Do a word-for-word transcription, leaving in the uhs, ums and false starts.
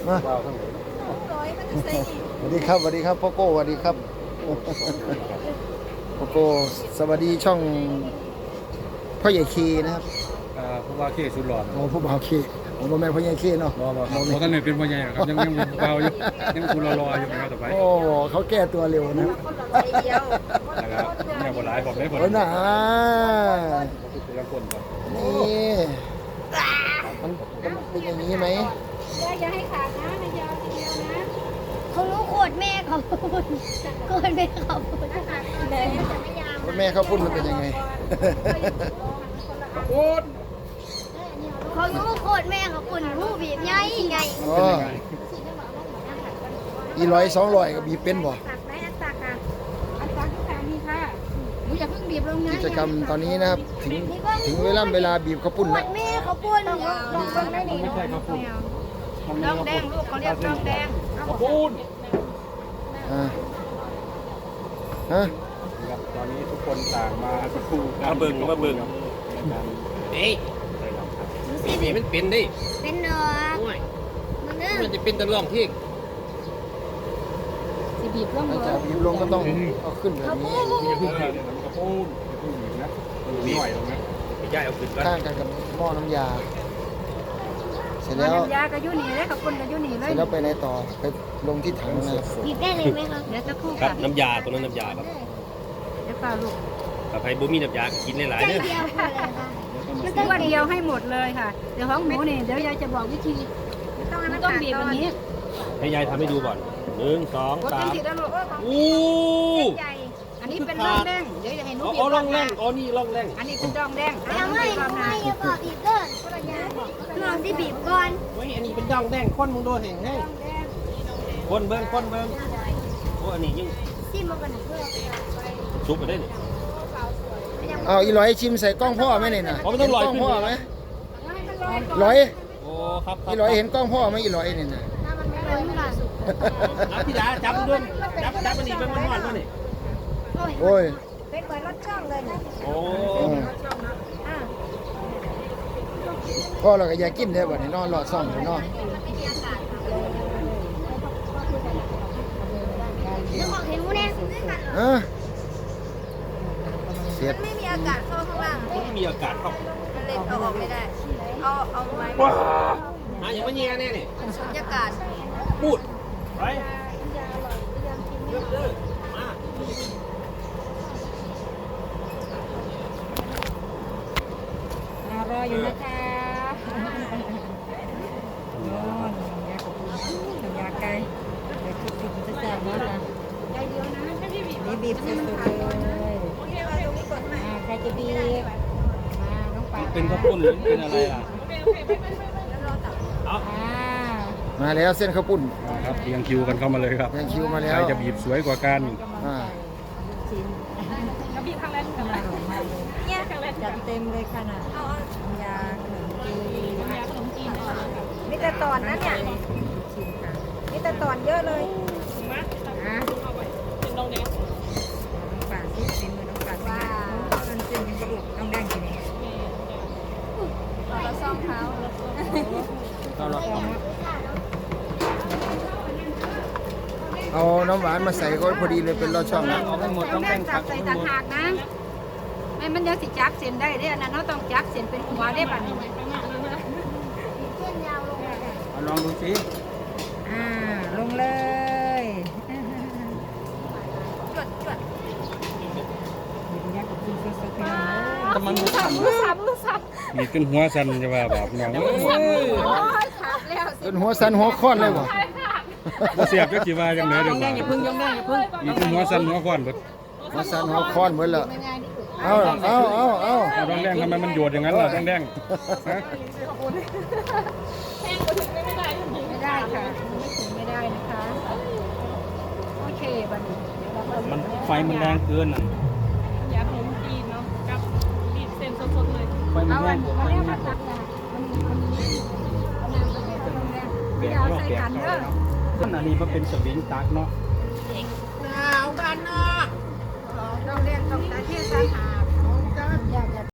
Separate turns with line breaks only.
มาสวัสดีครับสวัสดีครับพ่อโก้สวัสดีครับพ่อโก้สวัสดีช่องพ่อใหญ่เคนะครับ
ผู้ว่าเคสุดหลอด
โอ้ผู้บ่าวเคผมบ่แม่นพ่อใหญ่เคเนาะ
รอรอครับเพราะท่านเนี่ยเป็นพ่อใหญ่ครับยังยังเบาอยู่ยังคุณรอรออยู่นะครับต่อไป
โอ้เขาแก้ตัวเร็วนะ
นะครับเนี่ยบทหลายบอกได้บท
โอ้น่ะ
ละคนครับ
นี่มันมันเป็นอย่างนี้ไหม
อย่าให้ขาดนะนายยาวทีเดียวนะ
เขารู้โคตรแม่เขาพูดโคตรแม่เขาพูด
แม่เขาพูดมันเป็นยังไง
พูด
เขารู้โคตรแม่เขาพูดรู้บีบไงไง
อ๋ออีร้อยสองร้อยก็บีบเป็นบ่
ตักไหมอันตักอ่ะอันตักทุกครั้งนี่ค่ะหนูอย่าเพิ่งบีบลงนะ
กิจกรรมตอนนี้นะครับถึงถึงเวลาเวลาบีบข้าวปุ้น
โค
แล้ว
ตรแม่เขาพูด
ลองลองได้ดี
ไม่ใช่ครับพูด
ลองแดงลูกเขาเรียกลองแดง
พูด
อ่าฮะ
ครับตอนนี้ทุกคนต่างมาคู่มาเบิ่งมาเบิ่งเอ้ยนี่มีมันเป็นดิ
เป็นเนาะมันเด้อ
มันจะเป็นตะล่องที่
สิบีบลง
ถ้า
เล
จะ
ย
บีบลงก็ต้องเอาขึ้นแบบนี้
อย่าเพิ่งบีบมันก็พูดอย่าเพิ่งบีบนะหน่อยตรงนั้นไม่ใช่เอาขึ้นก่อน
ข้างกันกับหม้อน้ำยาเสร็จแล้ว
น้ำยากระยุนี่เลยกับคนกระยุนี่เล
เสร็
ย
จแล้วไปไหนต่อไปลงที่ถังนะ
บีบได้เลยไหมคะ
เดี๋ยวจะคู่
ครั
กับ น
น้ำยาตัวนั้นน้ำยาครับ
เดี๋ยวเปล่าลูก
ถ้าใครบ่มีน้ำยากินหลาย
ใจ
ๆเนี่ย
เดียวพอเลยค่ะ
มันต้องวันเดียวให้หมดเลยค่ะเดี๋ยวของหมูนี่เดี๋ยวยายจะบอกวิธีมันต้องบีบแบบนี้
ให้ยายทำให้ดูก่อนหนึ่งสอง
กด
สา
เป็น
ม
สีแล้วลูก
อู้
ใหญ่อันนี้เป็นร่องแดงเดี๋ยวจะเห็นหนู
อ๋
บีบ
อร่องแรงอ๋อนี่ร่องแรง
อันนี้เป็นร่องแดง
ทำไมทำไมอย่าบอกบีบเกินลองที่บีบก่อน
เฮ้ยอันนี้เป็นร่องแดงคนมึงโดนเห็นให้คนเบิ้งคนเบิ้งโอ้อันนี้ยิ่ง
ซิมมากันเพื่อ
ซุปไปได้นี่
เอาอีร้อยชิมใส่กล้องพ่อไหมเนี่ยนะ
อ๋อไม่ต้องลอย
กล้อง
ขึ้น
พ่อไหมร้อย
โอ้ครับครั
อี
บ
ร้อยเห็นกล้องพ่อไหมอีร้อยเนี่ยนะ
อ่ะพี่ดาจับด้วยจับจับอันนี้เป็นมันหวานด้วยนี่
โอ้ย
เป็นเหมือนรถช่องเลยนะ
โอ้
อืมพ่อเราก็อยากกินได้บ่เนี่ยนอนรอซ่อมอยู่เนอน
นึกออกเห็นมูเนี่ย
เออเสียด
ไม่มีอากาศเข้าข้างล่าง
ไม่มีอากาศเข้า
มันเลยเอาออกไม่ได้ เอาเอาไม้
ว้าหาอย่างมันเงี้ยแน่นี่
สุญญากาศ
พูดไปเริ่มเลยมา
รออยู่นะคะนอนยากับยาไก่เดี๋ยวคิดถึงจะแซ่บมากนะใจเดียวนะนี่บีบสุดๆเลยโอเคมาตรงนี้กดมาใครจะบีบมาน้องปลา
เป็นข้าวปุ้นหรือเป็นอะไรล่ะเอา
อ่า
มาแล้วเส้นข้าวปุ้น
ครับเรียงคิวกันเข้ามาเลยครับ
แยงคิวมาแล้
ใคร
ว
จะบีบสวยกว่ากัน
อ่า
ชิ้นแล้วบีบครั้งแรกกันเนี่ยครั้งแรกจัดเต็มเลยค่ะน่ะยาขนมจีนยาขนมจีนมีแต่ตอนนะเนี่ยมีแต่ตอนเยอะเลยอ่ะเป็นน้องแดงน้องปลาที่เป็นมือน้องปลาว้าวมันเป็นยังกระดูกน้องแดงจริงเราซ่อมเท้า
เอาน้ำหวานมาใส่ก็พอดีเลยเป็นรอดช่องนะ
เอาให้หมดต้อง
แด
แบ่
ง
ง
จั
พั
บ
ก
ใส่ต่างหากนะไม่มันยังสิจักเส้นได้เด้อนะเราต้องจักเส้นเป็นหัวได้บัดนี้
เอาลองดูสิ
อ่าลงเลยจดจด
แต่มันมือสั่น
มือสับมือสับ
มีขึ้นหัวสั่นจะว่าแบบน้อง
โอ้ยขาดแล้ว
จนหัวสันหัวค้อนเลยบ่
บ่เสียบจักสิว่าจังได๋เด้อบ่า
อย่าพึ่งยงได้อย่าพึ่ง
มีขึ้นหัวสั่นหัวควันเบิด
หัวสันหัวค้อนเหมือนละเอาเอาเอาเอา
เอาดองแดงทำไมมันโยดอย่างนั้นล่ะดองแดงฮะ
ไม่ได้ค่ะไม่ถึงไม่ได้นะคะโอเคบัดนี้
มันไฟมันแรงเกินน่ะ
ยาขนมจีนเนาะกับบีบเส้นสดๆเลย
ไฟมัน
เอา
แร
อั
ง
นมาแล้วมาตักนะมันมีมันมีน้ำประเภทลงแดงไม่ได้เอาใส่กันเด้อ
ต้นอันนี้มันเป็นสวิงตักเนาะ